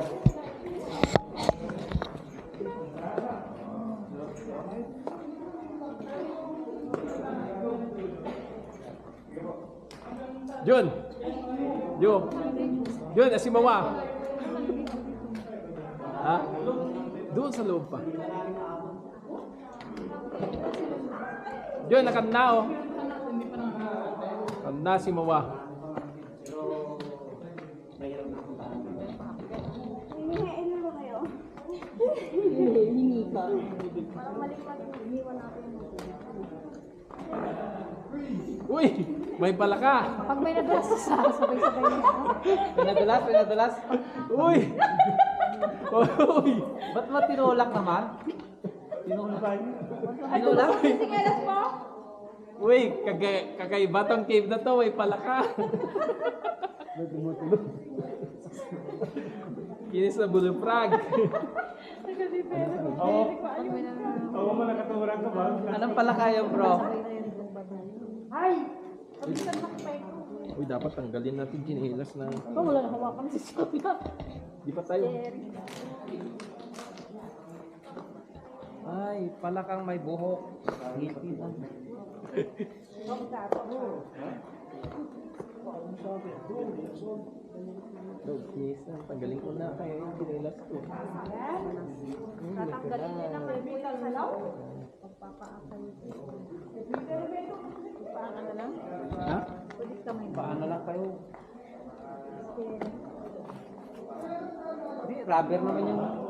Jun! Jun, asimawa! Ha? Doon sa loob pa. Jun, nakanda oh. Kanda si Mawa. Hinihain na ba kayo? Hingi ka. Parang malipat yung iniwan natin. Uy! May pala ka! Pag may nadulas sa sabay-sabay na. Pinadulas. Uy! Uy! Ba't mo tinulak naman? Tinulak? Tinulak? Singelas po? Uy! Kakaiba tong cave na to. May pala ka! Kinis na buluprak. Anong pala kayo, bro? Uy, dapat tanggalin natin ginilas na. Wala na hawakan si Sonia. Di pa tayo. Ay, pala kang may buhok. Ngiti lang. Kinis na. Tanggalin ko na kaya yung ginilas ko. Tatanggalin din ang chemical sa law? Paano na lang? Ha? Ulit kamay. Paano lang kayo? Hindi, rubber naman yung